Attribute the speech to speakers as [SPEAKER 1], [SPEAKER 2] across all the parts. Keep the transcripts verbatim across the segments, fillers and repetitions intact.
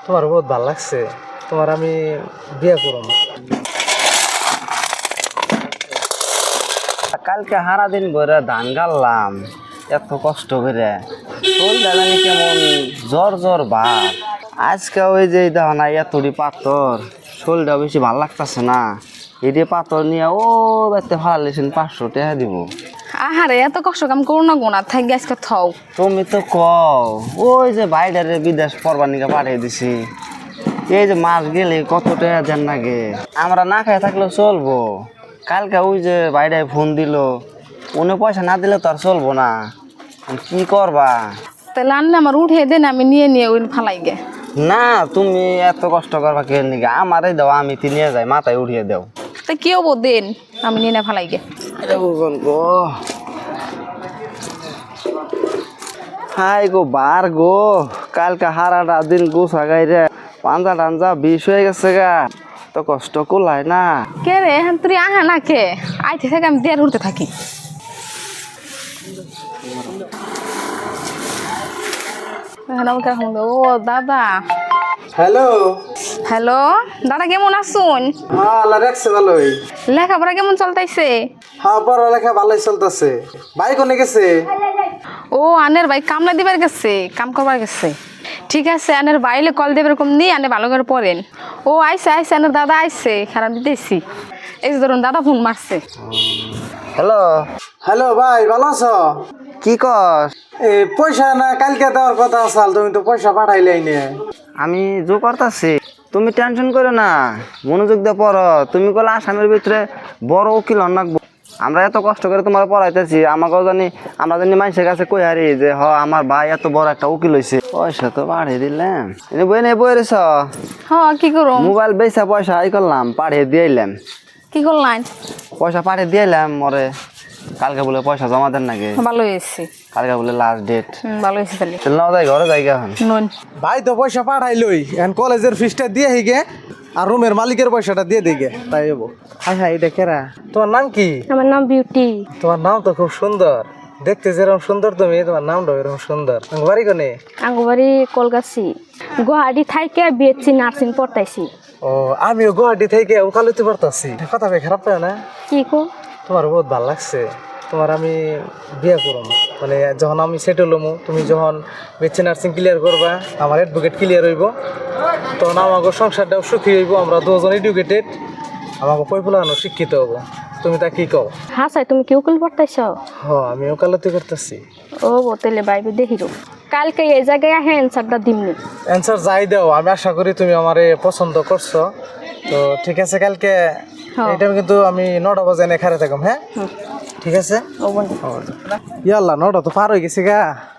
[SPEAKER 1] তোমার বহুত ভালো লাগছে, তোমার আমি বিয়ে করব।
[SPEAKER 2] কালকে সারা দিন ভরে ধান গাললাম, এত কষ্ট করে শরীরটা জানি কেমন জ্বর জ্বর ভাব। আজকে ওই যে দেখো না এতটি পাথর, শরীরটা বেশি ভালো লাগতেছে না। এটি পাথর নিয়ে ও বাড়িতে ফালালেছেন পাঁচশো টাকা দিব।
[SPEAKER 3] আহারে এত কষ্ট কাম করো না গোনা থাকি আজকে থাও।
[SPEAKER 2] তুমি তো কও ওই যে বাইরে বিদেশ পরবানিকা পাঠিয়ে দিছি, এই যে মাস গেলে কত টাকা দেন লাগে। আমরা না খাই থাকলেও চলবো। কালকে ওই যে বাইরে ফোন দিল, উনি পয়সা না দিলে তো আর চলবো না। কি করবা?
[SPEAKER 3] তাহলে আনলে আমার উঠে দেন, আমি নিয়ে নিয়ে ওই ফালাই গে।
[SPEAKER 2] না তুমি এত কষ্ট করবা কে নিগে, আমারই দাও, আমি তি নিয়ে যাই, মাথায় উঠিয়ে দাও।
[SPEAKER 3] তা কি হবো দেন, আমি নিয়ে না ফালাই গে।
[SPEAKER 2] গো হাই গো বার গো, কালকে হারাটা দিন গোসা গাইরে পাঞ্জা টাঞ্জা বিষ হয়ে গেছে গা, তো কষ্ট কুলাই না।
[SPEAKER 3] কে রে হ্যাঁ তুই আহা না কে আইতে থেকে আমি দেড় উঠতে থাকি। ও দাদা।
[SPEAKER 1] হ্যালো
[SPEAKER 3] হ্যালো দাদা, কেমন আসুন?
[SPEAKER 1] হ্যাঁ, আল্লাহ রাখছে ভালোই।
[SPEAKER 3] লেখাপড়া কেমন চলতেছে?
[SPEAKER 1] হ্যাঁ, পড়ালেখা ভালোই চলতেছে। ভাই কোনে গেছে?
[SPEAKER 3] ও আনের ভাই কামলা দিবার গেছে, কাম করবার গেছে। ঠিক আছে, আনের বাইলে কল দেবে এরকম নিয়ে আনে ভালো করে পড়েন। ও আইসে আইসে আনের দাদা আইসে, খারাপ দিতেছি। এই যে ধরুন দাদা ফোন মারছে।
[SPEAKER 2] হ্যালো
[SPEAKER 1] হ্যালো ভাই, ভালো আছো?
[SPEAKER 2] কি কর?
[SPEAKER 1] এই পয়সা না কালকে দেওয়ার কথা আসাল, তুমি তো পয়সা পাঠাইলাই নে।
[SPEAKER 2] আমি জো করতেছি, তুমি টেনশন করো না, মনোযোগ দিয়ে পড়ো। তুমি কলে আসামের ভিতরে বড় উকিল নাকবো। আমরা এত কষ্ট করে তোমার পড়াইতেছি, আমাকেও জানি আমরা জানি মানুষের কাছে কই হারি যে হ আমার ভাই এত বড় একটা উকিল হয়েছে। পয়সা তো বাড়িয়ে দিলাম, বই নেই বই রেছ
[SPEAKER 3] হ্যাঁ কি করো?
[SPEAKER 2] মোবাইল বেচা পয়সা আই করলাম, পাঠিয়ে দিয়েলাম।
[SPEAKER 3] কি করলেন?
[SPEAKER 2] পয়সা পাঠিয়ে দিয়েলাম মরে। কালকে বলে পয়সা জমা দেন নাকি?
[SPEAKER 3] ভালো হয়েছে।
[SPEAKER 2] কালকে বলে লাস্ট ডেট।
[SPEAKER 3] ভালো হয়েছে তাহলে।
[SPEAKER 2] চল না যাই ঘরে যাই এখন।
[SPEAKER 3] নুন
[SPEAKER 1] ভাই তো পয়সা পাঠাইলই, এখন কলেজের ফিসটা দিয়ে হিগে আর রুমের মালিকের পয়সাটা দিয়ে দিগে, তাই হবো। হাই হাই, এটা কেরা? তোমার নাম কি?
[SPEAKER 4] আমার নাম বিউটি।
[SPEAKER 1] তোমার নাম তো খুব সুন্দর, দেখতে যেরকম সুন্দর তুমি, তোমার নামটাও এরকম সুন্দর। বাড়ি কোনে?
[SPEAKER 4] আঙ্গুবাড়ি কলগাছি। গুয়াহাটি থাইকে বিএসসি নার্সিং পড়তাইছি।
[SPEAKER 1] ও, আমিও গুয়াহাটি থেকে ওকালতি পড়তাছি। কথা ভাই খারাপ পায় না?
[SPEAKER 4] কি কো?
[SPEAKER 1] তোমার বহুত ভালো লাগছে, তোমার আমি বিয়ে করব। মানে যখন আমি সেটেল হবো, তুমি যখন বিএসসি নার্সিং ক্লিয়ার করবা, আমার অ্যাডভোকেট ক্লিয়ার হইব, তখন আমাকে সংসারটাও সুখী হইব। আমরা দুজন এডুকেটেড, আমাকে পয়পুলানো শিক্ষিত হব। তুমি তা কি কও?
[SPEAKER 4] হ্যাঁ স্যার, তুমি কি উকিল পড়তাইছ?
[SPEAKER 1] হ, আমি ওকালতি করতেছি।
[SPEAKER 4] ও বোতলে বাইবে দেখিরো। কালকে এই জায়গায় আহে অ্যান্সারটা দিমনি।
[SPEAKER 1] অ্যান্সার যাই দাও, আমি আশা করি তুমি আমারে পছন্দ করছো। তো ঠিক আছে, কালকে এটা কিন্তু আমি নটা বাজে এনে খারে থাকম। হ্যাঁ ঠিক আছে।
[SPEAKER 4] ও বন্ধু
[SPEAKER 1] ইয়াল্লা, নটা তো পার হয়ে গেছে গা।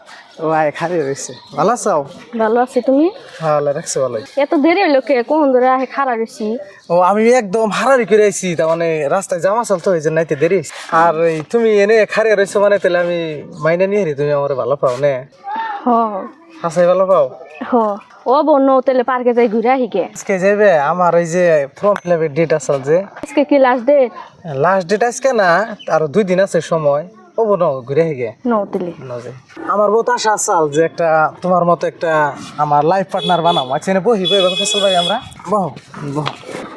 [SPEAKER 1] ও আয় খারে রয়েছে। ভালো আছো?
[SPEAKER 4] ভালো আছি, তুমি?
[SPEAKER 1] হ্যাঁ, রাখছে ভালোই।
[SPEAKER 4] এত দেরি হইলো কে? কোন ধরে আহে খাড়া রয়েছি।
[SPEAKER 1] ও, আমি একদম হারারি করে আইছি, তার মানে রাস্তায় জামা চলতো এই যে নাইতে দেরি। আর এই তুমি এনে খারে রয়েছো মানে তাহলে আমি মাইনে নিয়ে হারি, তুমি আমার ভালো পাও নে?
[SPEAKER 4] হ
[SPEAKER 1] হাসাই ভালো পাও?
[SPEAKER 4] হ ও বন্য তেলে পার্কে যাই ঘুরে আহিকে।
[SPEAKER 1] আজকে যাইবে আমার এই যে ফর্ম ফিল আপের ডেট আসল যে।
[SPEAKER 4] আজকে কি লাস্ট ডেট?
[SPEAKER 1] লাস্ট ডেট আজকে না, আরো দুই দিন আছে সময়। ও বোন ঘুরে আহিগে
[SPEAKER 4] নতেলে
[SPEAKER 1] আমার বহুত আশা আসাল যে একটা তোমার মতো একটা আমার লাইফ পার্টনার বানাবো। আচ্ছা, এনে বহি বই ফেসল ভাই, আমরা বহ বহ।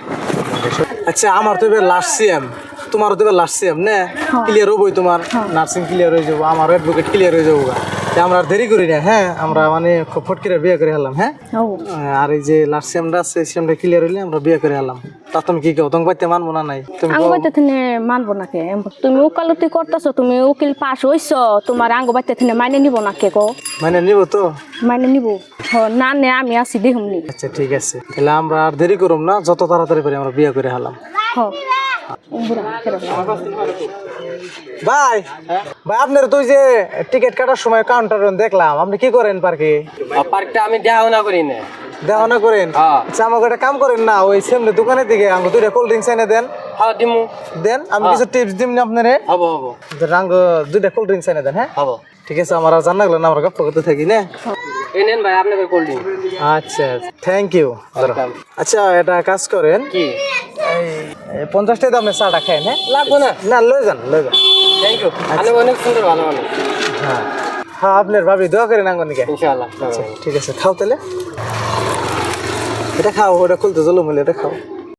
[SPEAKER 1] আচ্ছা, আমার তো এবার লাস্ট সিএম, তোমারও তো এবার লাস্ট সিএম নে, ক্লিয়ার হবোই। তোমার নার্সিং ক্লিয়ার হয়ে যাবো, আমার অ্যাডভোকেট ক্লিয়ার হয়ে যাবো। আমরা আর দেরি করি না। হ্যাঁ, আমরা মানে খুব ফট করে বিয়ে করে হলাম। হ্যাঁ, আর এই যে লাস্ট সিএমটা আছে, সিএমটা ক্লিয়ার হইলে আমরা বিয়ে করে হলাম। তা তুমি কি কও? তোমাকে বাইতে মানবো না নাই? তুমি
[SPEAKER 4] আঙ্গ বাইতে থিনে মানবো না কে? তুমি উকালতি করতেছো, তুমি উকিল পাস হইছ, তোমার আঙ্গ বাইতে থিনে মাইনে নিব না কে গো?
[SPEAKER 1] মানে নিব তো?
[SPEAKER 4] মাইনে নিব। না নে, আমি আছি দেখুমনি।
[SPEAKER 1] আচ্ছা ঠিক আছে, তাহলে আমরা আর দেরি করুম না, যত তাড়াতাড়ি পারি আমরা বিয়ে করে হলাম। ভাই ভাই, আপনার তুই যে টিকিট কাটার সময় কাউন্টার দেখলাম, আপনি কি করেন পার্কে?
[SPEAKER 5] পার্কটা আমি দেখাশোনা করি না।
[SPEAKER 1] দেখাশোনা করেন? আচ্ছা, আমাকে একটা কাম করেন না, ওই সামনে দোকানের দিকে আমাকে দুইটা কোল্ড ড্রিঙ্কস এনে দেন।
[SPEAKER 5] হ্যাঁ দিমু।
[SPEAKER 1] দেন, আমি কিছু টিপস দিম না আপনারে।
[SPEAKER 5] হবো হবো।
[SPEAKER 1] রাঙ্গ দুইটা কোল্ড ড্রিঙ্কস এনে দেন। হ্যাঁ
[SPEAKER 5] হবো।
[SPEAKER 1] ঠিক আছে, আমার আর জানা গেল না, আমরা গপ্প করতে থাকি না।
[SPEAKER 5] এই নেন ভাই আপনাদের কোল্ড ড্রিঙ্ক।
[SPEAKER 1] আচ্ছা, থ্যাংক ইউ। আচ্ছা, এটা কাজ করেন,
[SPEAKER 5] কি
[SPEAKER 1] এই পঞ্চাশ টাকা দামের চাটা খাই। হ্যাঁ,
[SPEAKER 5] লাগবো না?
[SPEAKER 1] না, লয়ে যান লয়ে যান।
[SPEAKER 5] Thank you. আপনি অনেক সুন্দর, ভালো মানুষ।
[SPEAKER 1] হ্যাঁ হ্যাঁ, আপনার ভাবি দোয়া করেন আঙ্গনিকে।
[SPEAKER 5] ইনশাআল্লাহ।
[SPEAKER 1] আচ্ছা ঠিক আছে, খাও তাহলে। এটা খাও, ওটা খুলতে জলম হলে এটা খাও।